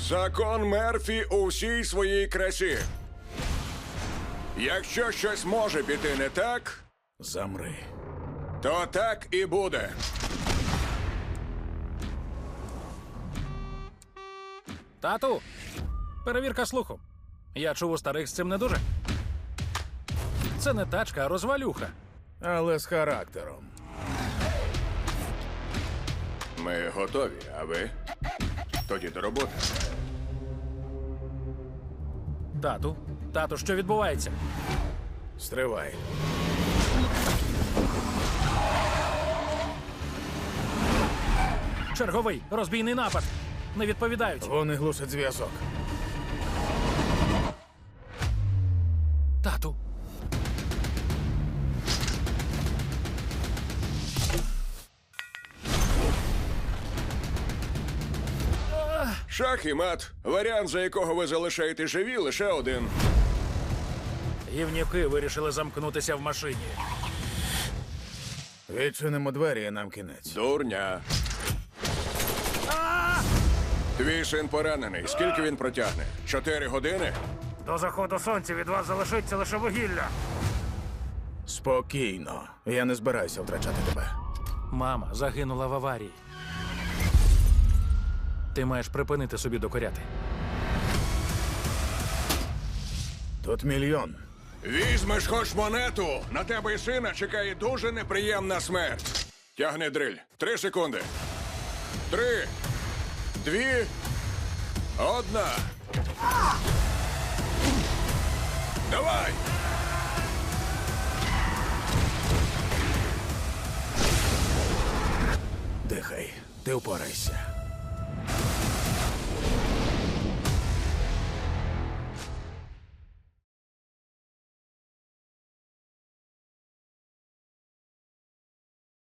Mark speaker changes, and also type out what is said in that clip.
Speaker 1: Закон Мерфі у всій своїй красі. Якщо щось може піти не так,
Speaker 2: Замри.
Speaker 1: то так і буде.
Speaker 3: Тату, перевірка слуху. Я чув, у старих з цим не дуже. Це не тачка, а розвалюха.
Speaker 2: Але з характером.
Speaker 1: Ми готові, а ви? Тоді до роботи.
Speaker 3: Тату, що відбувається?
Speaker 2: Стривай.
Speaker 3: Черговий розбійний напад. Не відповідають.
Speaker 2: Вони глушать зв'язок.
Speaker 3: Тату.
Speaker 1: Шах і мат. Варіант, за якого ви залишаєте живі, лише один.
Speaker 3: Гівнюки вирішили замкнутися в машині.
Speaker 2: Відчинимо двері і нам кінець.
Speaker 1: Дурня. Твій син поранений. Скільки він протягне? 4 години?
Speaker 3: До заходу сонця від вас залишиться лише вугілля.
Speaker 2: Спокійно. Я не збираюся втрачати тебе.
Speaker 3: Мама загинула в аварії. Ти маєш припинити собі докоряти.
Speaker 2: Тут мільйон.
Speaker 1: Візьмеш хоч монету. На тебе і сина чекає дуже неприємна смерть. Тягни дриль. 3 секунди. 3, 2, 1. Давай!
Speaker 2: Дихай. Ти впорайся.